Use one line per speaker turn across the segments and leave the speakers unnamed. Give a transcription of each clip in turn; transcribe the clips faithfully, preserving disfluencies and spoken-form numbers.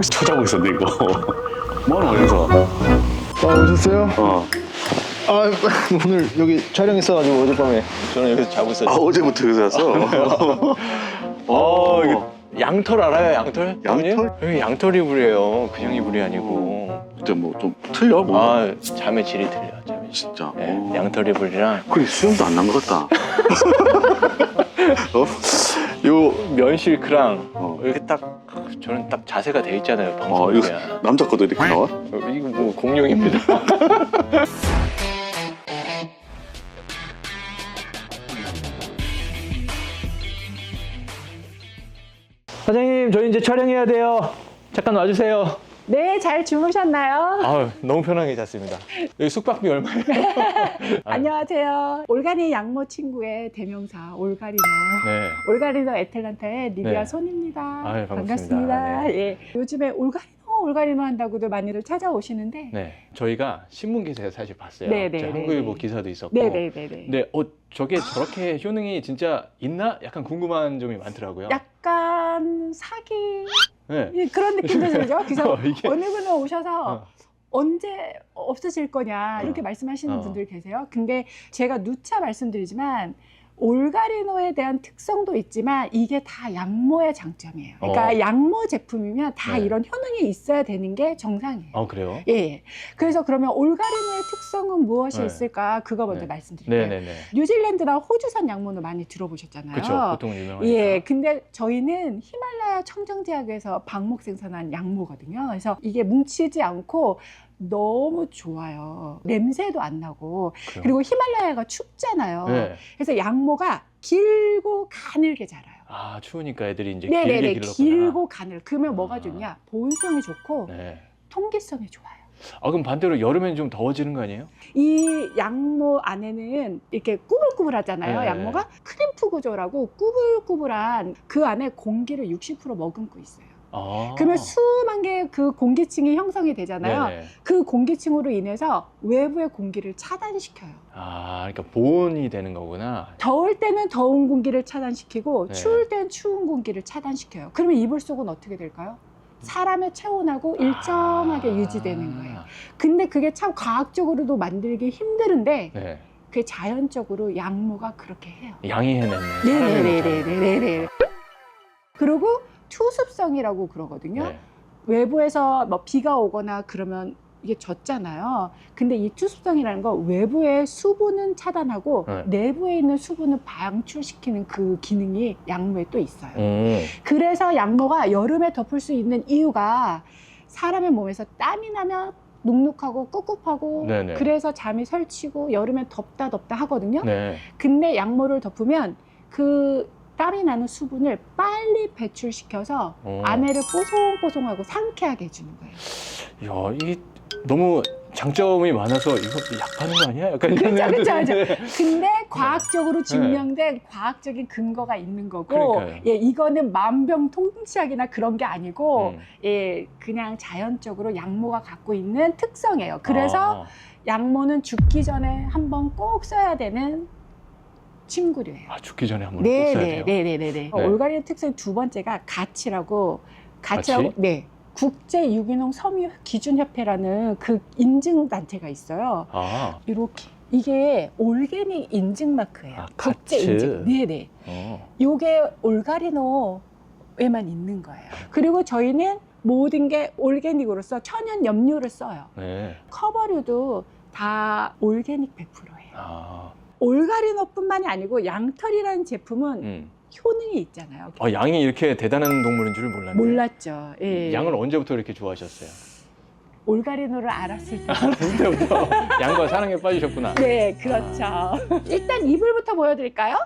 여기서 찾아오고 있었네 이거. 뭐하는 거야 여기서?
아, 오셨어요?
어.
아, 오늘 여기 촬영 있어가지고 어젯밤에 저는 여기서 자고 있었죠.
아 어제부터 여기서 왔어?
어, 이거 양털 알아요? 양털?
양털?
여기 양털 이불이에요. 그냥 이불이 아니고.
진짜 뭐 좀 틀려 뭐.
아, 잠의 질이 틀려. 잠의 질.
진짜.
네,
어.
양털 이불이랑
그래 수염도 안 난 것 같다. 어?
요 면실크랑
어.
이렇게 딱 저는 딱 자세가 돼 있잖아요.
어
방송에.
이거 남자 것도 이렇게 나와?
어, 이거 뭐 공룡입니다. 사장님, 저희 이제 촬영해야 돼요. 잠깐 와주세요.
네, 잘 주무셨나요?
아, 너무 편하게 잤습니다. 여기 숙박비 얼마예요?
안녕하세요. 올가니 양모 친구의 대명사 올가리노.
네.
올가리노 애틀란타의 리비아
네.
손입니다.
아유, 반갑습니다.
반갑습니다.
네.
예. 요즘에 올가리노 올가리노 한다고도 많이들 찾아오시는데.
네. 저희가 신문 기사에 사실 봤어요.
네, 네,
제
네,
한국일보
네.
기사도 있었고.
네네네네.
근데 어, 저게 저렇게 효능이 진짜 있나? 약간 궁금한 점이 많더라고요.
약간 사기
네.
예, 그런 느낌도 들죠. 그래서
어, 이게-
어느 분은 오셔서
어.
언제 없어질 거냐 이렇게
어.
말씀하시는
어.
분들 계세요. 근데 제가 누차 말씀드리지만 올가리노에 대한 특성도 있지만 이게 다 양모의 장점이에요. 그러니까
어.
양모 제품이면 다
네.
이런 효능이 있어야 되는 게 정상이에요.
아, 그래요?
예, 예. 그래서 그러면 올가리노의 특성은 무엇이
네.
있을까? 그거 먼저
네.
말씀드릴게요.
네네네.
뉴질랜드나 호주산 양모는 많이 들어보셨잖아요.
그렇죠. 보통 유명하니까.
예, 근데 저희는 히말라야 청정지역에서 방목 생산한 양모거든요. 그래서 이게 뭉치지 않고 너무 좋아요. 냄새도 안 나고.
그래요?
그리고 히말라야가 춥잖아요.
네.
그래서 양모가 길고 가늘게 자라요.
아, 추우니까 애들이 이제 길게
네네네,
길렀구나.
길고 가늘. 그러면 뭐가
아.
좋냐? 보온성이 좋고
네.
통기성이 좋아요.
아, 그럼 반대로 여름엔 좀 더워지는 거 아니에요?
이 양모 안에는 이렇게 꾸불꾸불하잖아요.
네.
양모가 크림프 구조라고 꾸불꾸불한 그 안에 공기를 육십 퍼센트 머금고 있어요.
아.
그러면 수만 개의 그 공기층이 형성이 되잖아요.
네네.
그 공기층으로 인해서 외부의 공기를 차단시켜요.
아, 그러니까 보온이 되는 거구나.
더울 때는 더운 공기를 차단시키고
네.
추울 때는 추운 공기를 차단시켜요. 그러면 이불 속은 어떻게 될까요? 사람의 체온하고 일정하게
아.
유지되는 거예요. 근데 그게 참 과학적으로도 만들기 힘드는데
네.
그게 자연적으로 양모가 그렇게 해요.
양이 해냈네.
네네네네네네. 그리고 투습성이라고 그러거든요.
네.
외부에서 뭐 비가 오거나 그러면 이게 젖잖아요. 근데 이 투습성이라는 건 외부의 수분은 차단하고
네.
내부에 있는 수분을 방출시키는 그 기능이 양모에 또 있어요.
음.
그래서 양모가 여름에 덮을 수 있는 이유가 사람의 몸에서 땀이 나면 눅눅하고 꿉꿉하고
네네.
그래서 잠이 설치고 여름에 덥다 덥다 하거든요.
네.
근데 양모를 덮으면 그 땀이 나는 수분을 빨리 배출시켜서
어.
아내를 뽀송뽀송하고 상쾌하게 해주는 거예요.
야, 이 너무 장점이 많아서 이거 약 파는 거 아니야? 약간 이런
그렇죠, 그렇죠,
생각도
그렇죠.
드는데.
근데 과학적으로 증명된 과학적인 근거가 있는 거고,
그러니까요.
예, 이거는 만병통치약이나 그런 게 아니고,
음.
예, 그냥 자연적으로 양모가 갖고 있는 특성이에요. 그래서
아,
양모는 죽기 전에 한번 꼭 써야 되는 침구류예요.
아, 죽기 전에 한번 꼭 써야 돼요.
네네네네네.
네.
올가리의 특성 두 번째가 가치라고, 가치라고,
가치?
네. 국제 유기농 섬유 기준 협회라는 그 인증 단체가 있어요.
아,
이렇게 이게 올게닉 인증 마크예요.
아,
국제
가츠.
인증. 네네.
어.
요게 올가리노에만 있는 거예요. 그리고 저희는 모든 게 올게닉으로서 천연 염료를 써요.
네.
커버류도 다 올게닉 백 퍼센트예요.
아,
올가리노뿐만이 아니고 양털이라는 제품은
음.
효능이 있잖아요.
아, 양이 이렇게 대단한 동물인 줄 몰랐네요.
몰랐죠. 예.
양을 언제부터 이렇게 좋아하셨어요?
올가리노를 알았을 때.
그때부터 양과 사랑에 빠지셨구나.
네, 그렇죠. 일단 이불부터 보여드릴까요?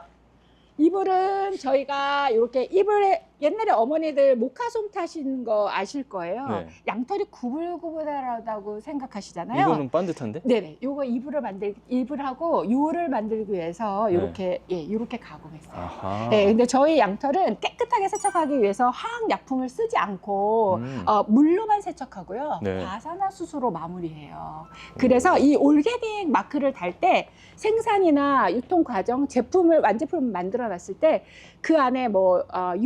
이불은 저희가 이렇게 이불에 옛날에 어머니들 모카솜 타신 거 아실 거예요.
네.
양털이 구불구불하다고 생각하시잖아요.
이거는 반듯한데?
네네. 요거 이불을 만들 이불하고 요를 만들기 위해서
네.
요렇게 예 요렇게 가공했어요.
아하.
네, 근데 저희 양털은 깨끗하게 세척하기 위해서 화학 약품을 쓰지 않고
음.
어, 물로만 세척하고요.
네.
과산화수소로 마무리해요. 그래서 이 올게닉 마크를 달 때 생산이나 유통 과정 제품을 완제품을 만들어 놨을 때 그 안에 뭐 어, 유해한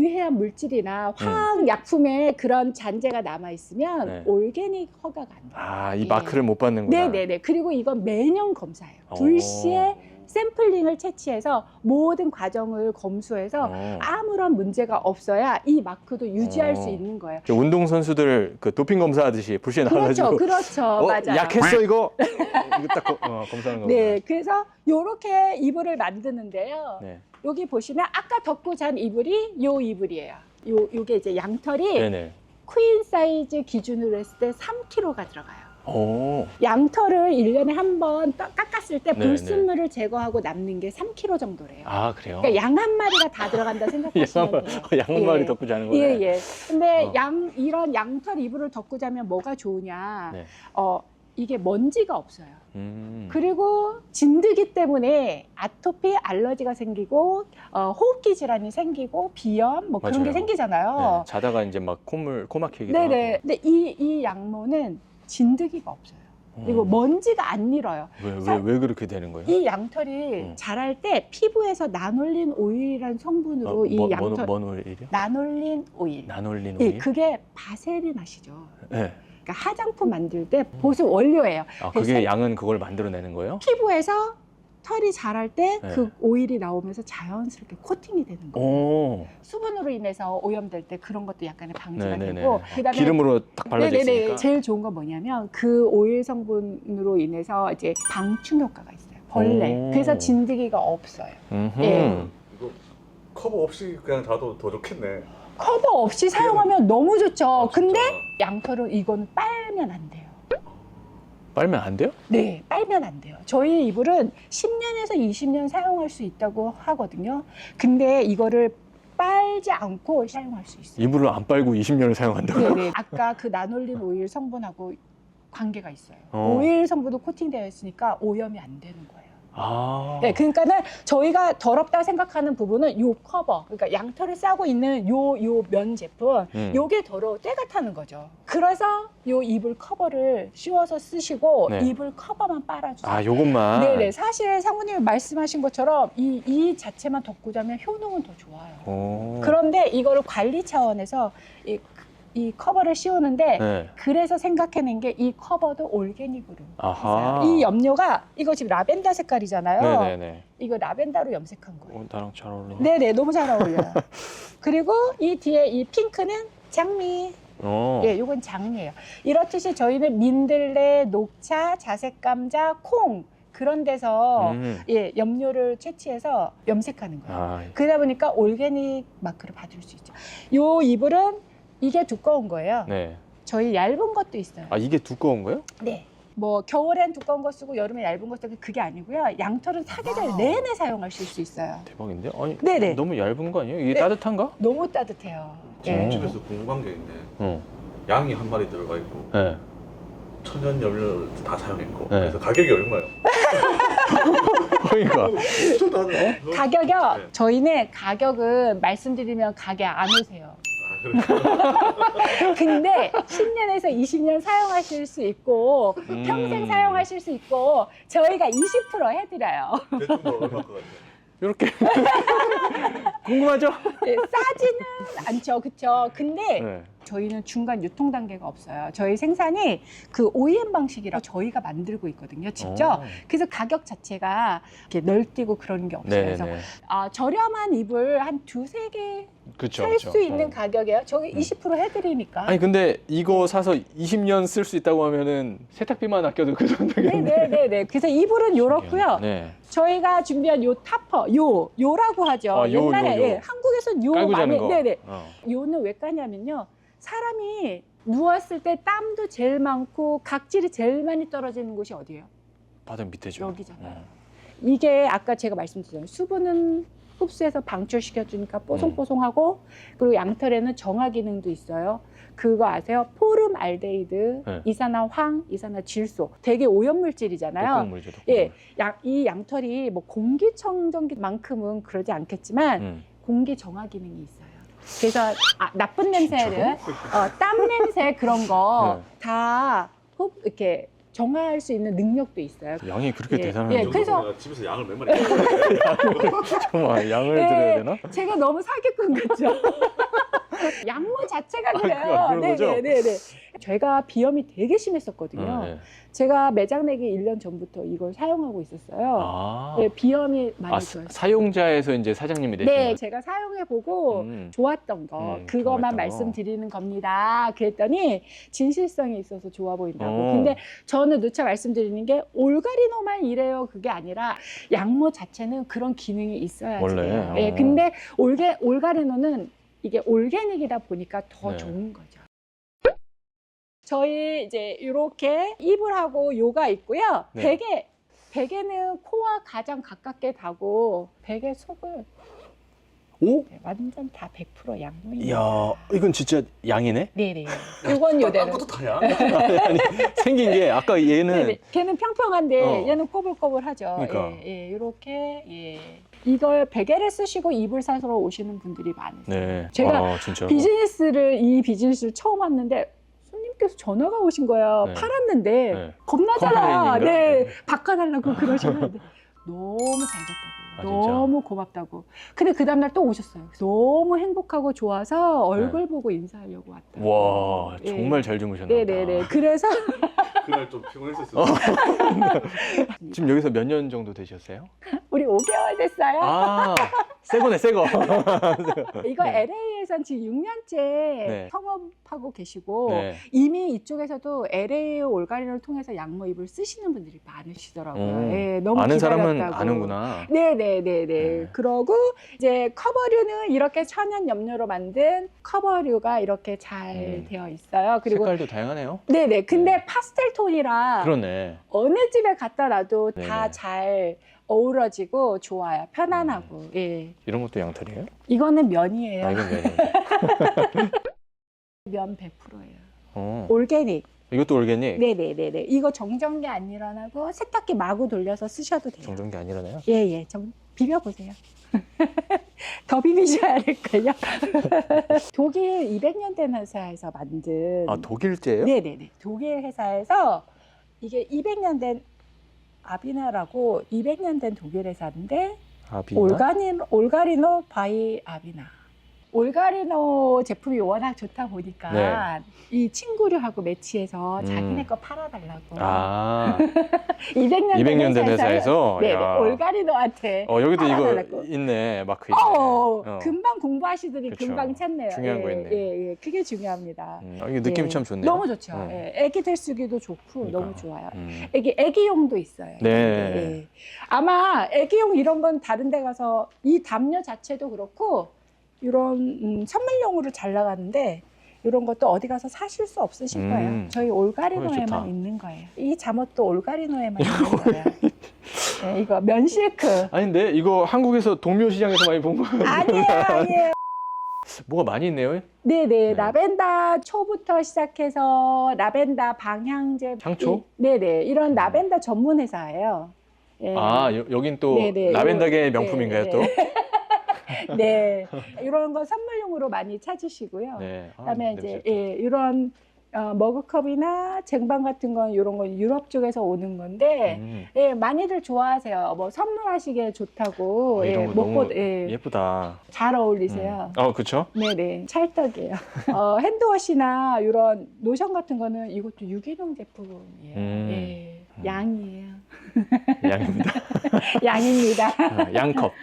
물질이나 화학 약품에 그런 잔재가 남아 있으면
네.
올게닉 허가가 안 돼요.
아, 이
예.
마크를 못 받는구나.
네네네. 그리고 이건 매년 검사해요.
오.
불시에 샘플링을 채취해서 모든 과정을 검수해서
어.
아무런 문제가 없어야 이 마크도 유지할
어.
수 있는 거예요.
저 운동 선수들 그 도핑 검사하듯이 불시에
그렇죠,
나와가지고
그렇죠,
어,
맞아요.
약했어 이거 이거 딱 거- 어, 검사하는 거구나.
네, 그래서 요렇게 이불을 만드는데요.
네.
여기 보시면 아까 덮고 잔 이불이 요 이불이에요. 요 요게 이제 양털이
네네.
퀸 사이즈 기준으로 했을 때 삼 킬로그램가 들어가요.
오.
양털을 일 년에 한 번 깎았을 때
네,
불순물을 제거하고 남는 게 삼 킬로그램 정도래요.
아 그래요?
그러니까 양 한 마리가 다 들어간다 생각하시면 돼요.
양 한 마리
예.
덮고 자는 거네.
예, 예. 근데
어.
양 이런 양털 이불을 덮고 자면 뭐가 좋으냐?
네.
어, 이게 먼지가 없어요.
음.
그리고 진드기 때문에 아토피, 알러지가 생기고 어, 호흡기 질환이 생기고 비염 뭐 그런
맞아요.
게 생기잖아요.
네, 자다가 이제 막 콧물 코 막히기도
네네.
하고.
근데 이, 이 양모는 진드기가 없어요. 그리고
음.
먼지가 안 일어요.
왜,
사-
왜, 왜 그렇게 되는 거예요?
이 양털이
음.
자랄 때 피부에서 나놀린 오일이라는 성분으로
어,
이
뭐,
양털
뭔 오일이요?
나놀린 오일.
나놀린
예,
오일?
그게 바세린 아시죠?
네.
그러니까 화장품 만들 때 보습 원료예요.
아,
그래서
그게 양은 그걸 만들어내는 거예요?
피부에서 털이 자랄 때 그
네.
오일이 나오면서 자연스럽게 코팅이 되는 거예요.
오.
수분으로 인해서 오염될 때 그런 것도 약간의 방지가
네네네.
되고 그다음에
기름으로 딱 발라져
네네네.
있으니까.
제일 좋은 건 뭐냐면 그 오일 성분으로 인해서 이제 방충 효과가 있어요. 벌레.
오.
그래서 진드기가 없어요.
음흠.
예.
이거 커버 없이 그냥 자도 더 좋겠네.
커버 없이 사용하면 너무 좋죠.
아, 진짜.
근데 양털은 이건 빨면 안 돼요.
빨면 안 돼요?
네, 빨면 안 돼요. 저희 이불은 십 년에서 이십 년 사용할 수 있다고 하거든요. 근데 이거를 빨지 않고 사용할 수 있어요.
이불을 안 빨고 이십 년을 사용한다고요?
네네. 아까 그 나놀린 오일 성분하고 관계가 있어요.
어.
오일 성분도 코팅되어 있으니까 오염이 안 되는 거예요.
아.
네, 그러니까는 저희가 더럽다 생각하는 부분은 요 커버, 그러니까 양털을 싸고 있는 요 요 면 제품,
음.
요게 더러워 때가 타는 거죠. 그래서 요 이불 커버를 씌워서 쓰시고
네.
이불 커버만 빨아주세요.
아, 요것만.
네네. 사실 상무님이 말씀하신 것처럼 이, 이 자체만 덮고 자면 효능은 더 좋아요.
오.
그런데 이거를 관리 차원에서 이, 이 커버를 씌우는데
네.
그래서 생각해낸 게 이 커버도 올게닉으로
아하.
했어요. 이 염료가 이거 지금 라벤더 색깔이잖아요.
네네네.
이거 라벤더로 염색한 거예요.
어, 나랑 잘 어울리네.
네네, 너무 잘 어울려요. 그리고 이 뒤에 이 핑크는 장미.
어.
예, 요건 장미예요. 이렇듯이 저희는 민들레, 녹차, 자색 감자, 콩 그런 데서
음.
예, 염료를 채취해서 염색하는 거예요.
아,
그러다 보니까 올게닉 마크를 받을 수 있죠. 요 이불은 이게 두꺼운 거예요.
네.
저희 얇은 것도 있어요.
아, 이게 두꺼운 거예요?
네. 뭐 겨울엔 두꺼운 거 쓰고 여름에 얇은 거 쓰고 그게 아니고요. 양털은 사계절 내내 사용하실 수 있어요.
대박인데? 아니,
네네.
너무 얇은 거 아니에요? 이게
네.
따뜻한가?
너무 따뜻해요.
네.
예.
집에서 궁금한 게 있는데
어.
양이 한 마리 들어가 있고
네.
천연 염료를 다 사용했고
네.
그래서 가격이 얼마예요?
그러니까.
엄청 다르네.
가격이요.
네.
저희는 가격은 말씀드리면 가게 안 오세요.
아,
근데 십 년에서 이십 년 사용하실 수 있고
음.
평생 사용하실 수 있고 저희가 이십 퍼센트 해드려요.
대충 뭐 얼마 것 같아요?
이렇게. 궁금하죠?
네, 싸지는 않죠, 그렇죠. 근데
네.
저희는 중간 유통 단계가 없어요. 저희 생산이 그 오이엠 방식이라 저희가 만들고 있거든요, 직접.
어.
그래서 가격 자체가 이렇게 널뛰고 그런 게 없어요. 그래서
네네네.
아, 저렴한 이불 한 두세 개
그쵸.
살 수
그쵸.
있는
어.
가격이에요. 저기
음.
이십 퍼센트 해드리니까.
아니 근데 이거 사서 이십 년 쓸 수 있다고 하면은 세탁비만 아껴도 그 정도겠네.
네네네네. 그래서 이불은 요렇고요.
네.
저희가 준비한 요 타퍼, 요, 요라고 하죠.
아, 요,
옛날에
요, 요.
예, 한국에서는 요
깔고 자는
많이,
거.
네네.
어.
요는 왜 까냐면요. 사람이 누웠을 때 땀도 제일 많고 각질이 제일 많이 떨어지는 곳이 어디예요?
바닥 밑에죠.
여기잖아요.
어.
이게 아까 제가 말씀드렸잖아요. 수분은 흡수해서 방출시켜주니까 뽀송뽀송하고 그리고 양털에는 정화 기능도 있어요. 그거 아세요? 포름 알데히드,
네.
이산화황, 이산화질소. 되게 오염물질이잖아요.
독극물이죠. 독극물.
예, 양, 이 양털이 뭐 공기청정기만큼은 그러지 않겠지만
음.
공기 정화 기능이 있어요. 그래서 아, 나쁜 냄새를 어, 땀 냄새 그런 거
네.
다 흡 이렇게 정화할 수 있는 능력도 있어요.
양이 그렇게
예,
대단한
예,
줄
그래서-
내가 집에서 양을 몇 마리 키우는데.
정말 양을
예,
드려야 되나?
제가 너무 사기꾼 같죠? 양모 자체가 그래요.
아, 그런 거죠?
네네네. 저희가 비염이 되게 심했었거든요.
네.
제가 매장 내기 일 년 전부터 이걸 사용하고 있었어요.
아,
네, 비염이 많이
아
좋았어요.
사용자에서 이제 사장님이 되신
네,
거예요?
제가 사용해보고
음.
좋았던 거
음,
그것만
좋았던 거.
말씀드리는 겁니다. 그랬더니 진실성이 있어서 좋아 보인다고.
어.
근데 저는 누차 말씀드리는 게 올가리노만 이래요 그게 아니라 양모 자체는 그런 기능이 있어야지
원래?
돼요. 예,
어.
근데 올게, 올가리노는 이게 올게닉이다 보니까 더
네.
좋은 거죠. 저희 이제 이렇게 이불하고 요가 있고요.
네.
베개 베개는 코와 가장 가깝게 다고 베개 속을
오?
네, 완전 다 백 퍼센트 양모입니다.
이야, 이건 진짜 양이네?
네네. 이건 요대로.
딴 것도 다야.
아니, 생긴 게 아까 얘는
네네. 걔는 평평한데
어.
얘는 꼬불꼬불하죠.
그러니까.
예, 예, 이렇게 예. 이걸 베개를 쓰시고 이불 사러 오시는 분들이 많으세요.
네.
제가
아, 진짜.
비즈니스를 이 비즈니스를 처음 왔는데 손님께서 전화가 오신 거예요.
네.
팔았는데
네.
겁나잖아.
컴플레인인가?
네,
네.
바꿔달라고 그러시는데 너무 잘 됐다고.
아, 진짜?
너무 고맙다고. 근데 그 다음날 또 오셨어요. 너무 행복하고 좋아서 얼굴 보고 인사하려고 왔다.
와,
예.
정말 잘 주무셨나 보다.
네네네. 그래서
그날 좀 피곤했었어.
지금 여기서 몇 년 정도 되셨어요?
우리 오 개월 됐어요.
아, 새 거네, 새 거.
이거
네.
엘에이에선 지금 육 년째
네.
성업하고 계시고
네.
이미 이쪽에서도 엘에이 올가리를 통해서 양모 이불 쓰시는 분들이 많으시더라고요.
음.
예, 너무
아는 사람은
기다렸다고.
아는구나.
네네네네.
네.
그러고 이제 커버류는 이렇게 천연 염료로 만든 커버류가 이렇게 잘
음.
되어 있어요. 그리고
색깔도 다양하네요.
네네. 근데
네.
파스텔 톤이라
그러네.
어느 집에 갖다 놔도
네네.
다 잘 어우러지고 좋아요. 편안하고.
음.
예.
이런 것도 양털이에요?
이거는 면이에요.
아, 이건 왜?
면 백 퍼센트예요.
어.
올게닉.
이것도 올게닉?
네네네네. 이거 정전기 안 일어나고 세탁기 마구 돌려서 쓰셔도 돼요.
정전기 아니라네요?
예예. 정 비벼보세요. 더 비비셔야 될걸요. 독일 이백 년 된 회사에서 만든.
아, 독일제예요?
네네네. 독일 회사에서 이게 이백 년 된 아비나라고 이백 년 된 독일 회사인데
아비나?
올가니, 올가리노 바이 아비나. 올가리노 제품이 워낙 좋다 보니까
네.
이 친구류하고 매치해서
음.
자기네 거 팔아달라고.
아,
이백 년,
이백 년 된
회사에서는
회사에서?
네,
야.
올가리노한테
어, 여기도 이거
팔아달라고.
있네. 마크 있네.
어,
어.
금방 공부하시더니
그쵸.
금방 찾네요.
중요한
예,
거 있네.
예, 예, 그게 중요합니다.
음, 아, 이게 느낌이
예.
참 좋네요.
너무 좋죠.
음.
예, 애기들 쓰기도 좋고
그러니까.
너무 좋아요.
음.
애기 애기용도 있어요.
네.
예. 아마 애기용 이런 건 다른 데 가서 이 담요 자체도 그렇고 이런 음, 선물용으로 잘 나가는데 이런 것도 어디 가서 사실 수 없으실
음.
거예요. 저희
어, 좋다.
올가리노에만 있는 거예요. 이 잠옷도 올가리노에만 있는 거예요. 네, 이거 면실크.
아닌데 이거 한국에서 동묘 시장에서 많이 본 거예요.
아니에요, 아니에요.
뭐가 많이 있네요.
네네,
네.
라벤더 초부터 시작해서 라벤더 방향제.
향초?
이- 네네, 이런 라벤더 전문 회사예요. 예.
아, 여, 여긴 또
네네,
라벤더계
이거-
명품인가요,
네,
또?
네, 이런 거 선물용으로 많이 찾으시고요.
네. 아,
그다음에
냄새
이제
좋다.
예, 이런 어, 머그컵이나 쟁반 같은 건 이런 건 유럽 쪽에서 오는 건데
음,
예, 많이들 좋아하세요. 뭐 선물하시기에 좋다고
아,
예,
이런 거
먹고
너무
예,
예쁘다.
잘 어울리세요.
음. 어, 그렇죠?
네네, 찰떡이에요. 어, 핸드워시나 이런 로션 같은 거는 이것도 유기농 제품이에요.
음.
예,
음.
양이에요.
양입니다.
양입니다.
아, 양컵.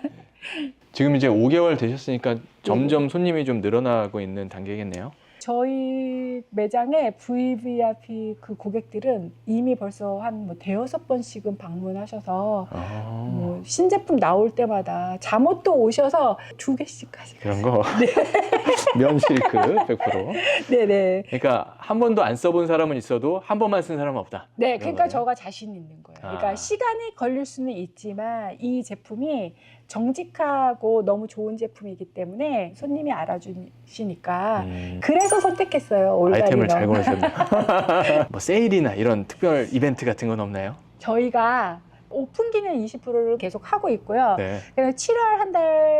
지금 이제 오 개월 되셨으니까 점점 손님이 좀 늘어나고 있는 단계겠네요.
저희 매장에 브이브이아이피 그 고객들은 이미 벌써 한 뭐 대여섯 번씩은 방문하셔서
아,
뭐 신제품 나올 때마다 잠옷도 오셔서 두 개씩까지.
그런 거. 면 실크 백 퍼센트.
네네.
그러니까 한 번도 안 써본 사람은 있어도 한 번만 쓴 사람은 없다.
네,
그런
그러니까
거네요.
저가 자신 있는 거예요. 그러니까
아.
시간이 걸릴 수는 있지만 이 제품이 정직하고 너무 좋은 제품이기 때문에 손님이 알아주시니까
음,
그래서 선택했어요. 올가리노.
아이템을 잘 고르셨네요. 뭐 세일이나 이런 특별 이벤트 같은 건 없나요?
저희가 오픈 기능 이십 퍼센트를 계속 하고 있고요.
네.
그래서 칠월 한 달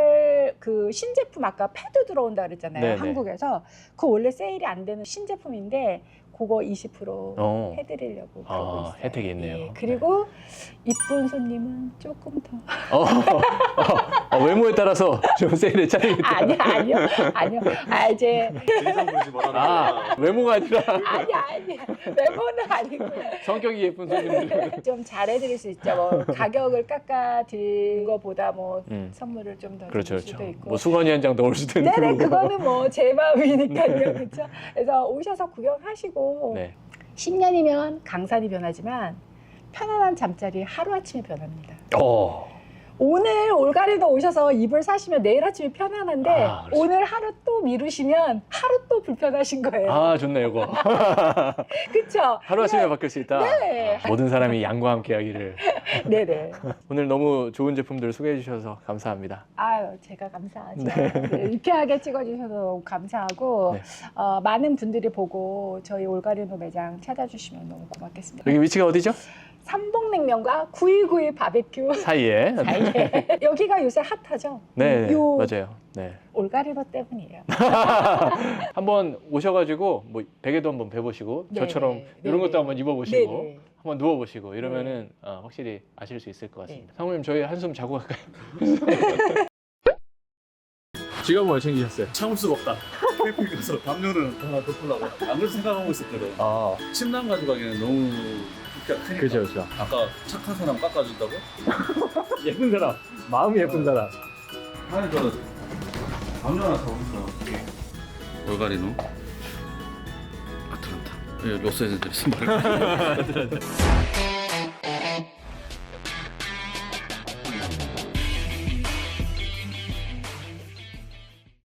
오늘 그 신제품 아까 패드 들어온다 그랬잖아요.
네네.
한국에서 그 원래 세일이 안 되는 신제품인데 그거 이십 퍼센트
어.
해드리려고
아,
그러고 있어요.
혜택이 있네요.
예, 그리고 이쁜 손님은 조금 더
어, 어, 어, 외모에 따라서 좀 세일에 차리겠다.
아니요 아니요 아니요 아 이제
대상분이 뭐라는
아,
거야.
외모가 아니라
아니 아니 외모는 아니고요.
성격이 예쁜 손님들.
좀 잘해드릴 수 있죠. 뭐 가격을 깎아드린 거보다 뭐
음.
선물을 좀 더
그렇죠,
드릴 수도
그렇죠.
있고.
뭐 수건이 한 장 더 올 수도 있는
네네
거고.
그거는 뭐 제 마음이니까요. 그렇죠. 그래서 오셔서 구경하시고
네.
십 년이면 강산이 변하지만 편안한 잠자리 하루아침에 변합니다.
어.
오늘 올가리도 오셔서 이불 사시면 내일 아침에 편안한데
아, 그렇죠.
오늘 하루 또 미루시면 하루 또 불편하신 거예요.
아, 좋네, 이거.
그렇죠?
하루아침에 바뀔 수 있다.
네.
아, 모든 사람이 양과 함께 하기를.
네네.
오늘 너무 좋은 제품들 소개해 주셔서 감사합니다.
아유, 제가 감사하죠. 네, 유쾌하게 찍어주셔서 너무 감사하고
네.
어, 많은 분들이 보고 저희 올가리노 매장 찾아주시면 너무 고맙겠습니다.
여기 위치가 어디죠?
삼봉냉면과 구이구이 바베큐
사이에.
사이에 여기가 요새 핫하죠?
네,
요
맞아요. 네.
올가리노 때문이에요.
한번 오셔가지고 뭐 베개도 한번 배보시고
네,
저처럼
네,
이런
네,
것도
네.
한번 입어보시고
네네.
한번 누워보시고 이러면은 어, 확실히 아실 수 있을 것 같습니다.
네.
상무님 저희 한숨 자고 갈까요? 지갑은 뭘 챙기셨어요?
참을 수가 없다. 캠핑 가서 담요를 하나 덮으려고 안 그럴 생각하고 있었거든.
아,
침낭 가져가기에는 너무 크기가 크니까.
그죠, 그죠.
아까 착한 사람 깎아준다고?
예쁜 사람, 마음이 예쁜 사람.
아니 저 담요 하나 사고 있어. 올가리노 아틀란타. 로스앤젤레스 말.